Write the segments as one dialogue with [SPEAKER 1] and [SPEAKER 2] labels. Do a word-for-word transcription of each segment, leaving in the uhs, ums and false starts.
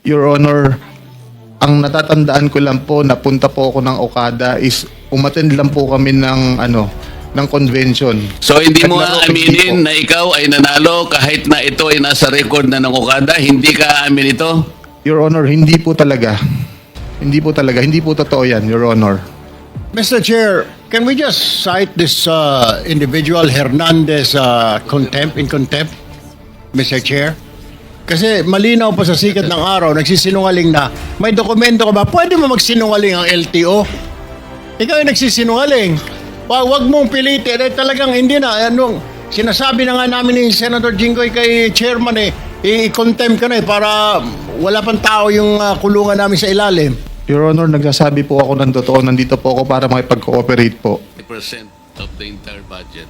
[SPEAKER 1] Your Honor, ang natatandaan ko lang po, napunta po ako ng Okada is umattend lang po kami ng ano, ng convention.
[SPEAKER 2] So hindi mo
[SPEAKER 1] Naglaro, hindi
[SPEAKER 2] aaminin
[SPEAKER 1] po.
[SPEAKER 2] na ikaw ay nanalo kahit na ito ay nasa record na ng Okada, hindi ka aamin ito?
[SPEAKER 1] Your Honor, hindi po talaga. Hindi po talaga. Hindi po totoo yan, Your Honor.
[SPEAKER 3] Mister Chair, can we just cite this uh, individual Hernandez uh, contempt in contempt, Mister Chair? Kasi malinaw pa sa sikat ng araw, nagsisinungaling na, may dokumento ka ba? Pwede mo magsinungaling ang L T O? Ikaw yung nagsisinungaling. Wa- Wag mong pilitin. Eh, talagang hindi na. Anong, sinasabi na nga namin ni Senator Jinggoy kay Chairman eh, i-contempt ka na eh, para wala pang tao yung uh, kulungan namin sa ilalim.
[SPEAKER 1] Your Honor, nagsasabi po ako ng totoo. Nandito po ako para makipag-cooperate po.
[SPEAKER 2] fifty percent of the entire budget.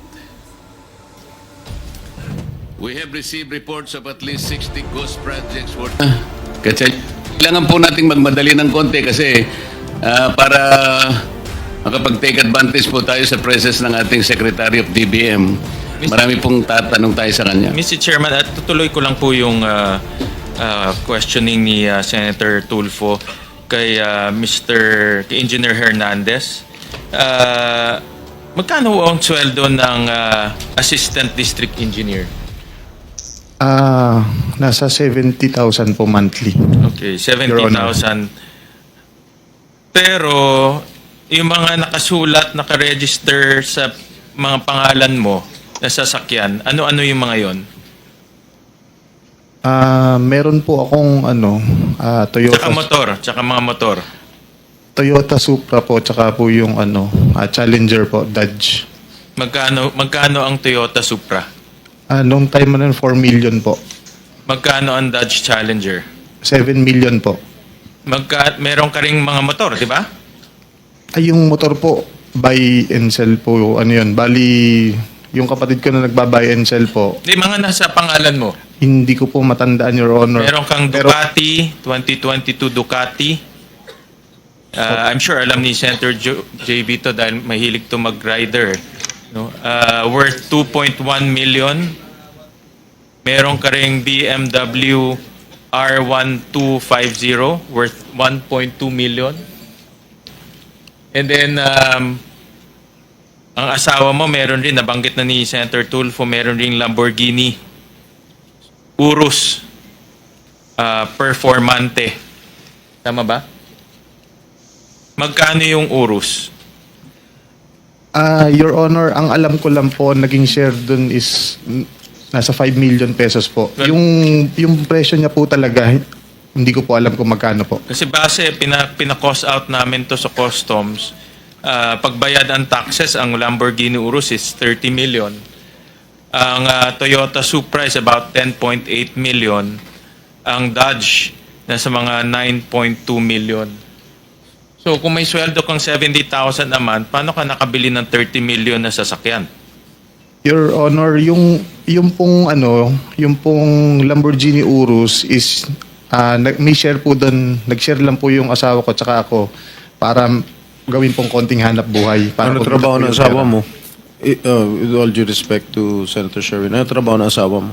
[SPEAKER 2] We have received reports of at least sixty ghost projects worth... Kasi kailangan po nating magmadali ng konti kasi ah, para makapag-take advantage po tayo sa presence ng ating Secretary of D B M. Marami pong tatanong tayo sa kanya.
[SPEAKER 4] Mister Chairman, at tutuloy ko lang po yung uh, uh, questioning ni uh, Senator Tulfo kay uh, Mister kay Engineer Hernandez. Uh, magkano ang sweldo ng uh, Assistant District Engineer?
[SPEAKER 1] Ah, nasa seventy thousand po monthly.
[SPEAKER 4] Okay, seventy thousand. Pero yung mga nakasulat, nakaregister sa mga pangalan mo na sasakyan, ano-ano yung mga yon?
[SPEAKER 1] Ah, meron po akong ano, ah, Toyota
[SPEAKER 4] Tsaka motor, tsaka mga motor.
[SPEAKER 1] Toyota Supra po, tsaka po yung ano, ah, Challenger po, Dodge.
[SPEAKER 4] Magkano magkano ang Toyota Supra?
[SPEAKER 1] Ah, nung time na yun, four million po.
[SPEAKER 4] Magkano ang Dodge Challenger?
[SPEAKER 1] seven million po.
[SPEAKER 4] Magka meron ka ring mga motor, di ba?
[SPEAKER 1] Ay, yung motor po, buy and sell po, ano yun, bali, yung kapatid ko na nagba-buy and sell po,
[SPEAKER 4] Di mga nasa pangalan mo.
[SPEAKER 1] hindi ko po matandaan, Your Honor.
[SPEAKER 4] Meron kang
[SPEAKER 1] Pero-
[SPEAKER 4] Ducati, twenty twenty-two Ducati. Uh, I'm sure alam ni Senator Jo- J B to dahil mahilig to mag-rider. No? Uh, worth two point one million. Meron ka ring B M W R one two five zero worth one point two million. And then, um, ang asawa mo meron rin, nabanggit na ni Senator Tulfo, meron ring Lamborghini Urus uh, Performante. Tama ba? Magkano yung Urus?
[SPEAKER 1] Ah, Your Honor, ang alam ko lang po, naging share dun is mm, nasa five million pesos po.
[SPEAKER 4] Well-
[SPEAKER 1] yung, yung presyo niya po talaga, hindi ko po alam kung magkano po.
[SPEAKER 4] Kasi base, pina, pina-cost out namin to sa customs. Uh, pagbayad ang taxes, ang Lamborghini Urus is thirty million. Ang uh, Toyota Supra is about ten point eight million. Ang Dodge, nasa mga nine point two million. So kung may sweldo kang seventy thousand a month, paano ka nakabili ng thirty million na sasakyan?
[SPEAKER 1] Your Honor, yung, yung pong ano, yung pong Lamborghini Urus is, ah, nag, may share po doon, nag-share lang po yung asawa ko tsaka ako para gawin pong konting hanap buhay. Para
[SPEAKER 5] Ano
[SPEAKER 1] kumita
[SPEAKER 5] trabaho
[SPEAKER 1] po
[SPEAKER 5] ng
[SPEAKER 1] yung
[SPEAKER 5] asawa
[SPEAKER 1] pera.
[SPEAKER 5] mo? I- uh, with all due respect to Senator Sherwin, ano trabaho ng asawa mo?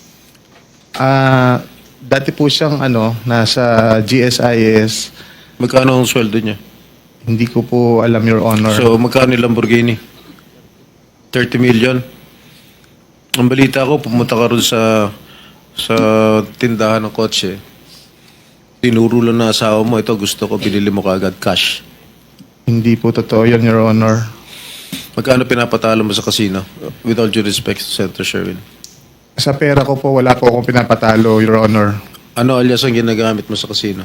[SPEAKER 1] Ah, dati po siyang ano, nasa G S I S.
[SPEAKER 5] Magkano ang sweldo niya?
[SPEAKER 1] Hindi ko po alam, Your Honor.
[SPEAKER 5] So, magkano yung Lamborghini? thirty million? Ang balita ko, pumunta ka ron sa sa tindahan ng kotse. Tinuro lang na asawa mo, ito gusto ko, binili mo kaagad cash.
[SPEAKER 1] Hindi po totoo yun, Your Honor.
[SPEAKER 5] Magkano pinapatalo mo sa casino? With all due respect to Senator Sherwin.
[SPEAKER 1] Sa pera ko po, wala po akong pinapatalo, Your Honor.
[SPEAKER 5] Ano alias ang ginagamit mo sa casino?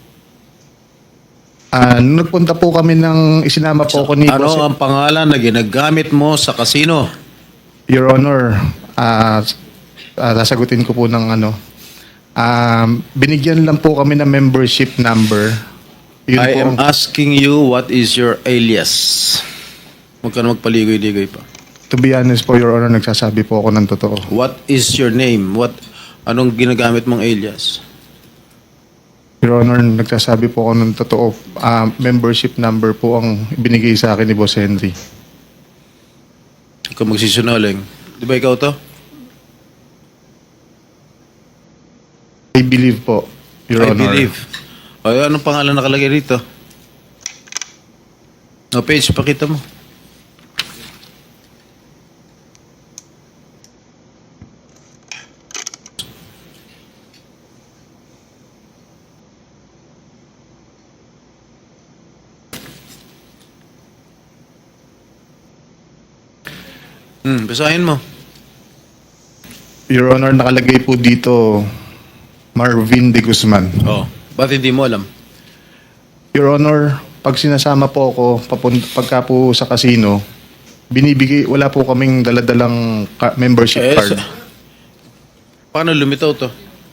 [SPEAKER 1] Ah, nung nagpunta po kami ng isinama po ako ni
[SPEAKER 5] Ano
[SPEAKER 1] Boss-
[SPEAKER 5] ang pangalan na ginagamit mo sa casino?
[SPEAKER 1] Your Honor, ah ah, sasagutin ko po ng ano. Um, binigyan lang po kami ng membership number. Yun
[SPEAKER 5] I
[SPEAKER 1] po
[SPEAKER 5] am
[SPEAKER 1] ang-
[SPEAKER 5] asking you, what is your alias? Huwag ka na magpaligoy-ligoy pa.
[SPEAKER 1] to be honest po, Your Honor, nagsasabi po ako ng totoo.
[SPEAKER 5] What is your name? What anong ginagamit mong alias?
[SPEAKER 1] Your Honor, nagsasabi po ako ng totoo. Ah, membership number po ang binigay sa akin ni Boss Henry.
[SPEAKER 5] Huwag ka magsisinungaling. Di ba ikaw to?
[SPEAKER 1] I believe po. Your
[SPEAKER 5] I
[SPEAKER 1] Honor.
[SPEAKER 5] believe. O, anong pangalan nakalagay rito? No, page, pakita mo. Hmm, basahin mo.
[SPEAKER 1] Your Honor, nakalagay po dito Marvin de Guzman.
[SPEAKER 5] Oh, ba't hindi mo alam?
[SPEAKER 1] Your Honor, pag sinasama po ako papun- pagka po sa casino, binibigay, wala po kaming daladalang ka- membership
[SPEAKER 5] Eh,
[SPEAKER 1] card.
[SPEAKER 5] sa- Paano lumitaw to?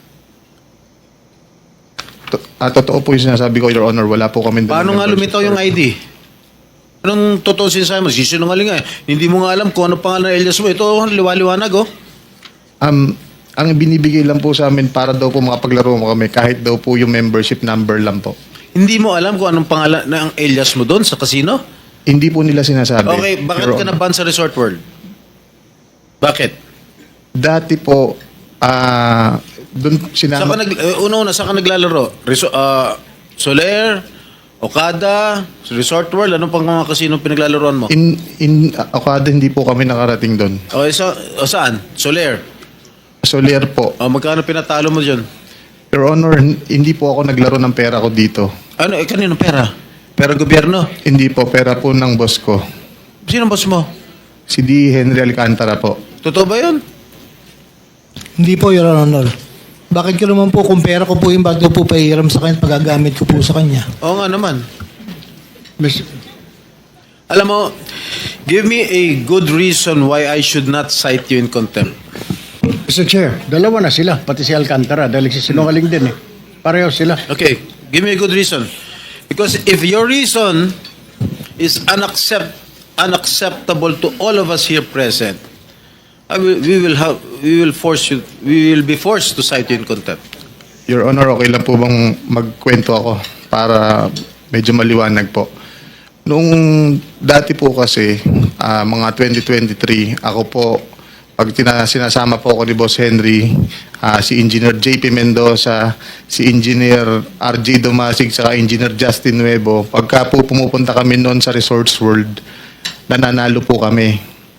[SPEAKER 1] To- ah, totoo po yung sinasabi ko, Your Honor, wala po kaming dalang
[SPEAKER 5] Paano nga
[SPEAKER 1] membership
[SPEAKER 5] lumitaw yung
[SPEAKER 1] card.
[SPEAKER 5] I D? Anong totoo sinasabi mo? Sisinungaling nga eh. Hindi mo nga alam kung ano pangalan ng alias mo. Ito, liwa-liwanag oh.
[SPEAKER 1] Um, ang binibigay lang po sa amin para daw po makapaglaro mo kami kahit daw po yung membership number lang po.
[SPEAKER 5] Hindi mo alam kung anong pangalan ng alias mo doon sa casino?
[SPEAKER 1] Hindi po nila sinasabi.
[SPEAKER 5] Okay, bakit
[SPEAKER 1] Your
[SPEAKER 5] ka
[SPEAKER 1] Honor.
[SPEAKER 5] na-ban sa Resort World? Bakit?
[SPEAKER 1] Dati po, ah, doon
[SPEAKER 5] Saan ka
[SPEAKER 1] sinama...
[SPEAKER 5] nag, uh, una-una, saan ka naglalaro? Reso, uh, Soler, Okada, Resort World, anong pang mga casino pinaglalaroan mo?
[SPEAKER 1] In, in uh, Okada, hindi po kami nakarating doon.
[SPEAKER 5] Okay, sa, o saan? Soler.
[SPEAKER 1] Soler po.
[SPEAKER 5] O, magkano pinatalo mo dyan?
[SPEAKER 1] Your Honor, hin- hindi po ako naglaro ng pera ko dito.
[SPEAKER 5] Ano, eh, kanino pera? Pera gobyerno?
[SPEAKER 1] Hindi po, pera po ng boss ko.
[SPEAKER 5] Sino boss mo?
[SPEAKER 1] Si D. Henry Alcantara po.
[SPEAKER 5] Totoo ba yun?
[SPEAKER 6] Hindi po, Your Honor. Bakit ko naman po, kung pera ko po yung bago po pahiram sa kanya, pagagamit ko po sa kanya.
[SPEAKER 5] Oo nga naman.
[SPEAKER 3] Miss,
[SPEAKER 5] Alam mo, give me a good reason why I should not cite you in contempt.
[SPEAKER 3] Mister Chair, dalawa na sila, pati si Alcantara, dahil sinungaling din eh. Pareho sila.
[SPEAKER 5] Okay, give me a good reason. Because if your reason is unaccept, unacceptable to all of us here present, I will, we will have, we will force you, we will be forced to cite you in contempt.
[SPEAKER 1] Your Honor, okay lang po bang magkwento ako para medyo maliwanag po. Nung dati po kasi, ah, mga twenty twenty-three, ako po, pag tina- sinasama po ako ni Boss Henry, ah, si Engineer J P Mendoza, si Engineer R J Domasig, saka Engineer Justin Nuevo, pagka po pumupunta kami noon sa Resorts World, nananalo po kami.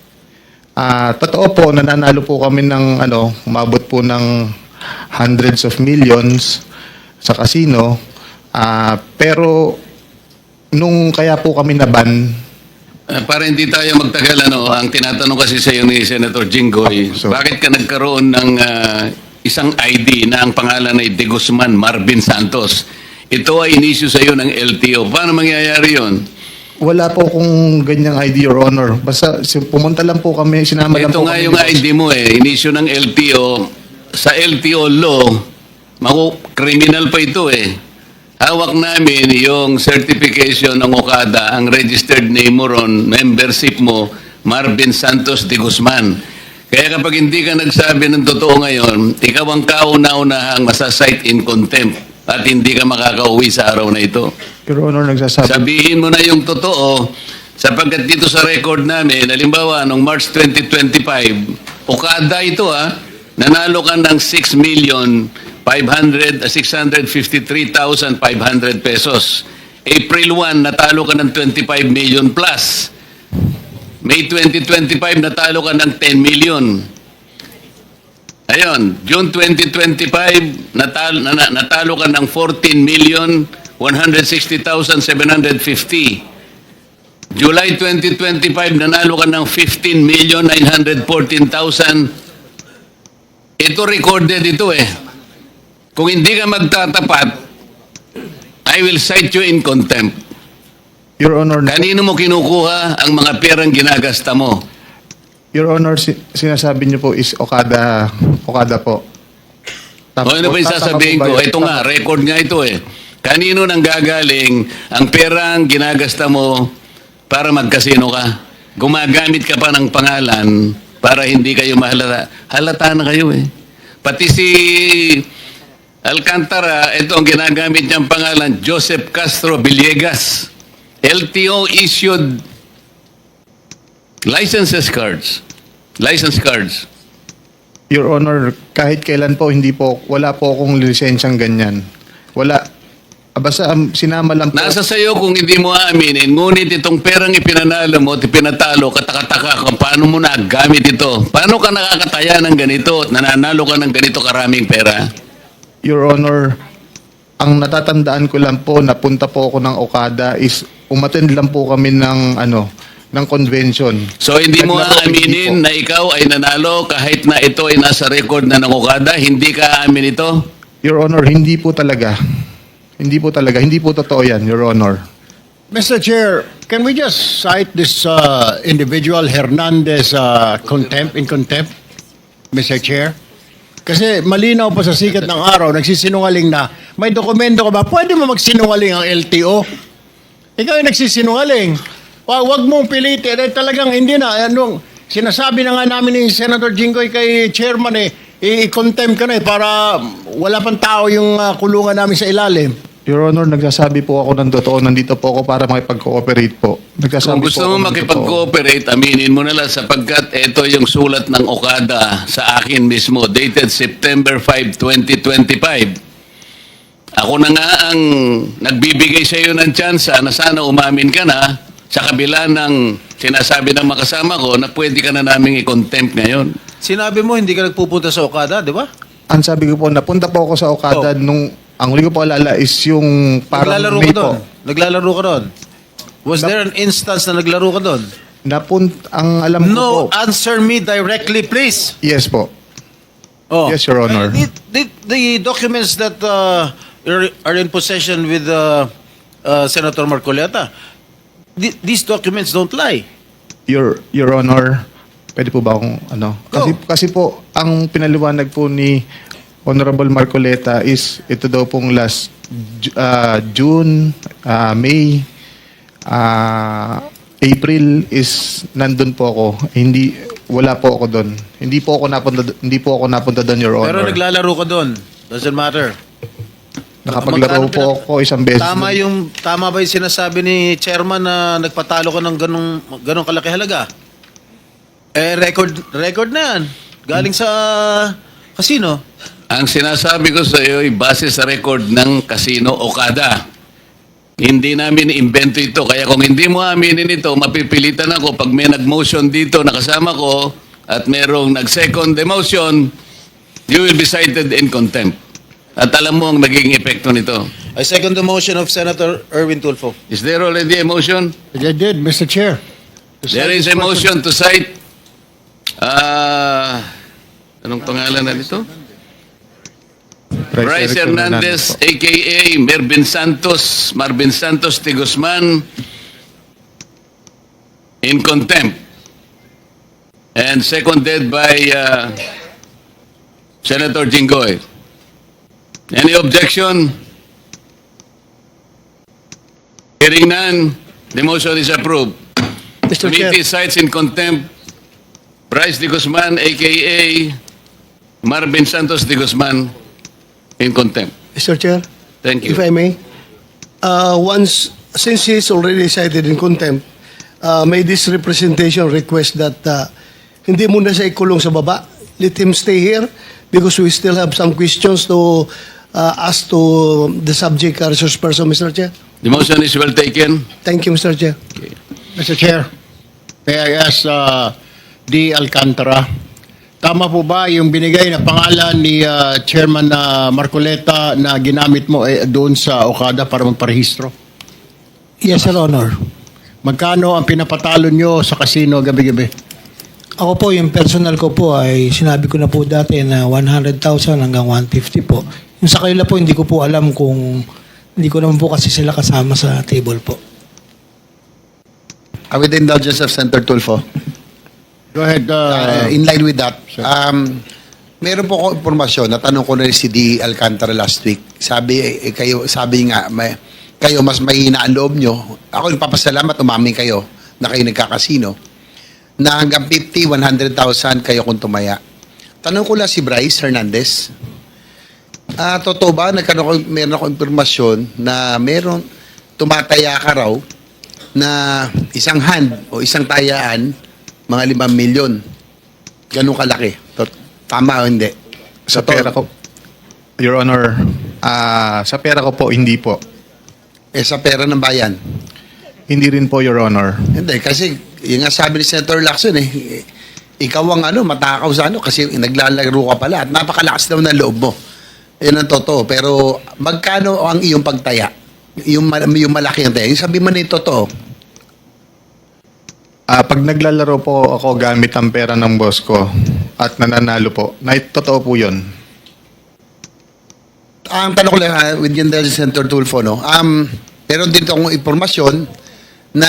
[SPEAKER 1] Ah, totoo po, nananalo po kami ng ano, umabot po ng hundreds of millions sa casino. Ah, pero nung kaya po kami naban,
[SPEAKER 2] Ah, para hindi tayo magtagal, ano, ang tinatanong kasi sa iyo ni Senator Jinggoy,
[SPEAKER 1] So-
[SPEAKER 2] bakit ka nagkaroon ng ah, isang I D na ang pangalan ay De Guzman Marvin Santos? Ito ay inisyu sa iyo ng L T O. Paano mangyayari yon?
[SPEAKER 1] wala po kung ganyang I D, Your Honor. Basta si- pumunta lang po kami, sinama lang
[SPEAKER 2] Ito
[SPEAKER 1] po
[SPEAKER 2] nga
[SPEAKER 1] kami.
[SPEAKER 2] yung
[SPEAKER 1] ni Boss.
[SPEAKER 2] I D mo eh, inisyu ng L T O. Sa L T O law, maku criminal pa ito eh. Hawak namin yung certification ng Okada, ang registered name mo ron, membership mo, Marvin Santos de Guzman. Kaya kapag hindi ka nagsabi ng totoo ngayon, ikaw ang kauna-unahang masasite in contempt at hindi ka makakauwi sa araw na ito.
[SPEAKER 1] Your Honor, nagsasabi.
[SPEAKER 2] Sabihin mo na yung totoo sapagkat dito sa record namin, halimbawa, noong March twenty twenty-five, Okada ito ah, nanalo ka ng six million five hundred, six hundred fifty-three thousand five hundred pesos. April one, natalo ka ng twenty-five million plus. May twenty twenty-five, natalo ka ng ten million. Ayun, June twenty twenty-five, natalo, na, natalo ka ng fourteen million one hundred sixty thousand seven hundred fifty. July twenty twenty-five, nanalo ka ng fifteen million nine hundred fourteen thousand. Ito recorded ito eh. Kung hindi ka magtatapat, I will cite you in contempt.
[SPEAKER 1] Your Honor,
[SPEAKER 2] Kanino mo kinukuha ang mga perang ginagasta mo?
[SPEAKER 1] Your Honor, si- sinasabi niyo po is Okada, Okada po.
[SPEAKER 2] O ano ba yung
[SPEAKER 1] tama
[SPEAKER 2] sasabihin
[SPEAKER 1] po ba
[SPEAKER 2] ko?
[SPEAKER 1] yun?
[SPEAKER 2] Ito nga, record nga ito eh. Kanino nang gagaling ang perang ginagasta mo para magkasino ka? Gumagamit ka pa ng pangalan para hindi kayo mahalata. Halata na kayo eh. Pati si Alcantara, ito ang ginagamit niyang pangalan, Joseph Castro Villegas. L T O issued licenses cards. License cards.
[SPEAKER 1] Your Honor, kahit kailan po, hindi po, wala po akong lisensyang ganyan. Wala. Ah, Basta um, sinama lang po.
[SPEAKER 2] Nasa sayo kung hindi mo aaminin, ngunit itong perang ipinanalo mo at ipinatalo, katakataka kung paano mo nagamit ito. Paano ka nakakataya ng ganito at nananalo ka ng ganito karaming pera?
[SPEAKER 1] Your Honor, ang natatandaan ko lang po, napunta po ako ng Okada is umattend lang po kami ng ano, ng convention.
[SPEAKER 2] So hindi mo
[SPEAKER 1] Naglaro,
[SPEAKER 2] aaminin
[SPEAKER 1] hindi po.
[SPEAKER 2] na ikaw ay nanalo kahit na ito ay nasa record na ng Okada? Hindi ka aamin ito?
[SPEAKER 1] Your Honor, hindi po talaga. Hindi po talaga. Hindi po totoo yan, Your Honor.
[SPEAKER 3] Mister Chair, can we just cite this uh, individual Hernandez uh, contempt in contempt, Mister Chair? Kasi malinaw pa sa sikat ng araw, nagsisinungaling na, may dokumento ka ba? Pwede mo magsinungaling ang L T O? Ikaw yung nagsisinungaling. Wag, wag mong pilitin. Eh, talagang hindi na. Anong, sinasabi na nga namin ni Senator Jinggoy kay Chairman eh, i-contempt ka na eh, para wala pang tao yung uh, kulungan namin sa ilalim.
[SPEAKER 1] Your Honor, nagsasabi po ako ng totoo. Nandito po ako para makipag-cooperate po. Nagsasabi
[SPEAKER 2] Kung gusto
[SPEAKER 1] po ako
[SPEAKER 2] mo
[SPEAKER 1] ng totoo.
[SPEAKER 2] makipag-cooperate, aminin mo na lang sapagkat ito yung sulat ng Okada sa akin mismo, dated September fifth, twenty twenty-five. Ako na nga ang nagbibigay sa iyo ng tsansa na sana umamin ka na sa kabila ng sinasabi ng makasama ko na pwede ka na naming i-contempt ngayon.
[SPEAKER 5] Sinabi mo hindi ka nagpupunta sa Okada, di ba?
[SPEAKER 1] Ang sabi ko po, napunta po ako sa Okada
[SPEAKER 5] Oh.
[SPEAKER 1] nung, ang huli ko po alala is yung parang
[SPEAKER 5] Naglalaro
[SPEAKER 1] May
[SPEAKER 5] ka doon.
[SPEAKER 1] po.
[SPEAKER 5] Naglalaro ka doon. Was there an instance na naglaro ka doon?
[SPEAKER 1] Napunt, ang alam ko
[SPEAKER 5] No,
[SPEAKER 1] po.
[SPEAKER 5] answer me directly, please.
[SPEAKER 1] Yes po.
[SPEAKER 5] Oh.
[SPEAKER 1] Yes, Your Honor.
[SPEAKER 5] The, the, the documents that uh, are, are in possession with uh, uh, Senator Marcoleta, th- these documents don't lie.
[SPEAKER 1] Your Your Honor, pwede po ba akong ano? Kasi
[SPEAKER 5] Go.
[SPEAKER 1] kasi po ang pinaliwanag po ni Honorable Marcoleta is ito daw pong last Ju- ah, June, ah, May, ah, April is nandun po ako. Hindi wala po ako doon. Hindi po ako napunta hindi po ako napunta doon, Your
[SPEAKER 5] Pero
[SPEAKER 1] Honor.
[SPEAKER 5] naglalaro ka doon. Doesn't matter.
[SPEAKER 1] Nakapaglaro
[SPEAKER 5] Magkano
[SPEAKER 1] po
[SPEAKER 5] pinag-
[SPEAKER 1] ako isang beses.
[SPEAKER 5] Tama
[SPEAKER 1] doon.
[SPEAKER 5] yung tama ba yung sinasabi ni chairman na nagpatalo ka ng ganong ganong kalaki halaga? Eh record record na yan. Galing sa casino.
[SPEAKER 2] Ang sinasabi ko sa iyo ay base sa record ng Casino Okada. Hindi namin invento ito. Kaya kung hindi mo aminin ito, mapipilitan ako pag may nag-motion dito na kasama ko at merong nag-second demotion, you will be cited in contempt. At alam mo ang naging epekto nito.
[SPEAKER 5] I second the motion of Senator Erwin Tulfo.
[SPEAKER 2] Is there already a motion?
[SPEAKER 3] I did, Mister Chair.
[SPEAKER 2] There is a motion to cite ah anong pangalan na nito? Bryce
[SPEAKER 1] Eric
[SPEAKER 2] Hernandez,
[SPEAKER 1] po.
[SPEAKER 2] a k a. Mervin Santos, Marvin Santos de Guzman, in contempt. And seconded by uh, Senator Jinggoy. Any objection? Hearing none, the motion is approved.
[SPEAKER 6] Mister Chair.
[SPEAKER 2] Committee cites in contempt Bryce de Guzman, a k a. Marvin Santos de Guzman, in contempt.
[SPEAKER 7] Mister Chair,
[SPEAKER 2] Thank you.
[SPEAKER 7] if I may, uh, once, since he is already cited in contempt, uh, may this representation request that uh, hindi muna siya ikulong sa baba. Let him stay here because we still have some questions to uh, ask to the subject uh, resource person, Mister Chair.
[SPEAKER 2] The motion is well taken.
[SPEAKER 7] Thank you, Mister Chair.
[SPEAKER 3] Mister Chair, may I ask uh, D. Alcantara, tama po ba yung binigay na pangalan ni uh, Chairman uh, Marcoleta na ginamit mo eh, doon sa Okada para magparehistro?
[SPEAKER 7] Yes, Your Honor.
[SPEAKER 3] Magkano ang pinapatalo nyo sa casino gabi-gabi?
[SPEAKER 6] Ako po, yung personal ko po ay sinabi ko na po dati na one hundred thousand hanggang one hundred fifty po. Yung sa kanila po, hindi ko po alam kung, hindi ko naman po kasi sila kasama sa table po.
[SPEAKER 8] Uh, with the indulgence of Senator Tulfo,
[SPEAKER 3] Go ahead.
[SPEAKER 8] uh,
[SPEAKER 3] Uh,
[SPEAKER 8] in line with that, um, meron po ako impormasyon, natanong ko na rin si D. Alcantara last week. Sabi, eh, kayo, sabi nga, may, kayo mas mahina ang loob nyo. Ako nagpapasalamat, umamin kayo na kayo nagkakasino. Na hanggang fifty, one hundred thousand kayo kung tumaya. Tanong ko lang si Bryce Hernandez, ah, totoo ba, nagkaroon ko, meron ako impormasyon na meron tumataya ka raw na isang hand o isang tayaan, mga limang milyon. Ganun kalaki. Tot- Tama o hindi?
[SPEAKER 1] Sa
[SPEAKER 8] Totoo.
[SPEAKER 1] pera ko. Your Honor, Ah, sa pera ko po, hindi po.
[SPEAKER 8] Eh, sa pera ng bayan.
[SPEAKER 1] Hindi rin po, Your Honor.
[SPEAKER 8] Hindi, kasi yung nga sabi ni Senator Lacson eh, ikaw ang ano, matakaw sa ano, kasi naglalaro ka pala at napakalakas daw ng loob mo. Yan ang totoo. Pero magkano ang iyong pagtaya? Yung, ma- yung malaki ang taya. Yung sabi mo na yung totoo.
[SPEAKER 1] Ah, pag naglalaro po ako gamit ang pera ng boss ko at nananalo po, na totoo po yun.
[SPEAKER 8] Ang tanong ko lang, ha, with yung dahil sa Senator Tulfo, no? Um, meron din akong impormasyon na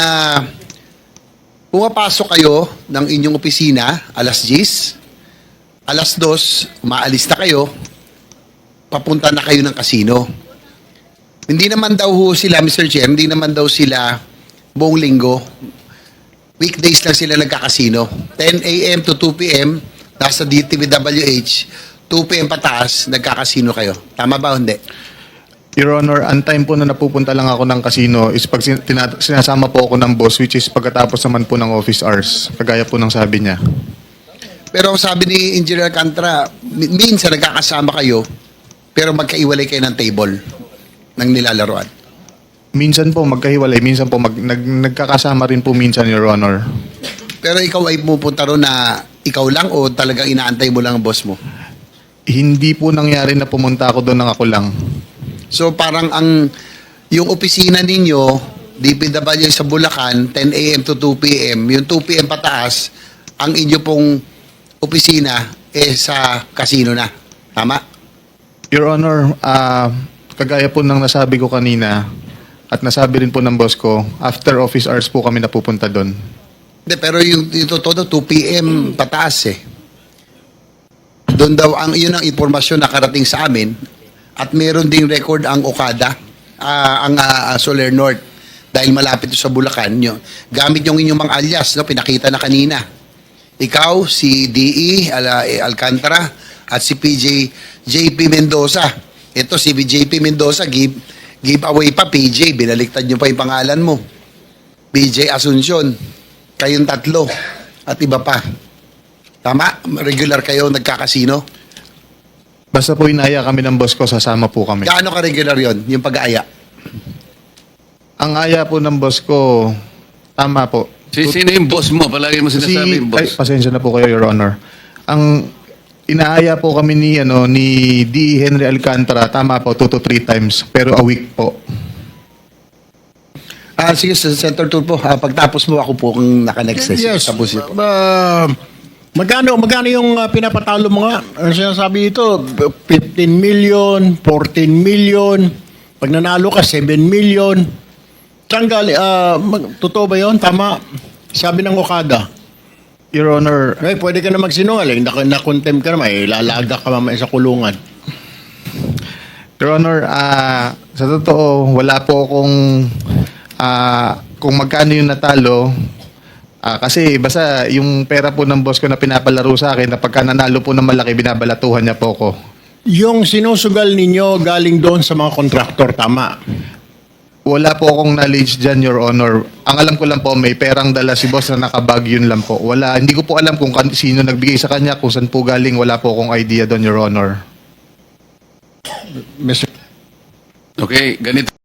[SPEAKER 8] pumapasok kayo ng inyong opisina alas diyes, alas dos, umaalis na kayo, papunta na kayo ng kasino. Hindi naman daw ho sila, Mister Chair, hindi naman daw sila buong linggo. Weekdays lang sila nagkakasino. ten a.m. to two p.m. nasa D T V W H, two p.m. pataas, nagkakasino kayo. Tama ba o hindi?
[SPEAKER 1] Your Honor, ang time po na napupunta lang ako ng casino is pag sin- tina- sinasama po ako ng boss, which is pagkatapos naman po ng office hours. Kagaya po ng sabi niya.
[SPEAKER 8] Pero ang sabi ni Engineer Alcantara, mi- minsan nagkakasama kayo, pero magkaiwalay kayo ng table ng nilalaroan.
[SPEAKER 1] Minsan po magkahiwalay, minsan po mag- nag- nagkakasama rin po minsan, Your Honor.
[SPEAKER 8] Pero ikaw ay pupunta ron na ikaw lang o talagang inaantay mo lang ang boss mo?
[SPEAKER 1] Hindi po nangyari na pumunta ako doon ng ako lang.
[SPEAKER 8] So parang ang yung opisina ninyo, D P W sa Bulacan, ten a.m. to two p.m., yung two p.m. pataas, ang inyo pong opisina eh sa casino na. Tama?
[SPEAKER 1] Your Honor, ah, kagaya po ng nasabi ko kanina at nasabi rin po ng boss ko, after office hours po kami napupunta doon.
[SPEAKER 8] Hindi, pero yung, yung totoo, two p.m. pataas eh. Doon daw, ang, yun ang impormasyon na karating sa amin at meron ding record ang Okada, ah, ang ah, Soler North dahil malapit ito sa Bulacan. Yun. Gamit yung inyong mga alias, no, pinakita na kanina. Ikaw, si D E Al- Alcantara at si P J J P Mendoza. Ito si J P Mendoza, give, give away pa P J, binaliktad nyo pa yung pangalan mo. P J Asuncion, kayong tatlo at iba pa. Tama? Regular kayo nagkakasino?
[SPEAKER 1] Basta po inaya kami ng boss ko, sasama po kami.
[SPEAKER 8] Gaano ka-regular yon yung pag-aaya?
[SPEAKER 1] Ang aya po ng boss ko, tama po.
[SPEAKER 2] Si, sino yung boss mo? Palagi mo sinasabi yung
[SPEAKER 1] ay,
[SPEAKER 2] boss.
[SPEAKER 1] pasensya na po kayo, Your Honor. Ang inaaya po kami ni ano ni D. Henry Alcantara, tama po, two to three times, pero a week po.
[SPEAKER 8] Ah, sige, Senator Tulfo, ah, pagtapos mo ako po kung naka-next eh.
[SPEAKER 3] Yes.
[SPEAKER 8] Tapos ito.
[SPEAKER 3] Uh, magkano, magkano yung uh, pinapatalo mo nga? Ang sinasabi dito, fifteen million, fourteen million, pag nanalo ka, seven million. Saan gali, uh, mag, totoo ba yun? Tama. Sabi ng Okada.
[SPEAKER 1] Your Honor,
[SPEAKER 3] Ay, pwede ka na magsinungaling. Na- Na-contempt ka naman. Eh, lalaga ka mamaya sa kulungan.
[SPEAKER 1] Your Honor, ah, sa totoo, wala po akong ah, kung magkano yung natalo. Ah, kasi basta yung pera po ng boss ko na pinapalaro sa akin, na pagka nanalo po ng malaki, binabalatuhan niya po ko.
[SPEAKER 3] Yung sinusugal ninyo galing doon sa mga kontraktor, tama.
[SPEAKER 1] Wala po akong knowledge dyan, Your Honor. Ang alam ko lang po, may perang dala si boss na nakabag, yun lang po. Wala, hindi ko po alam kung kan- sino nagbigay sa kanya, kung saan po galing, wala po akong idea doon, Your Honor.
[SPEAKER 3] Mister
[SPEAKER 2] Okay, ganito.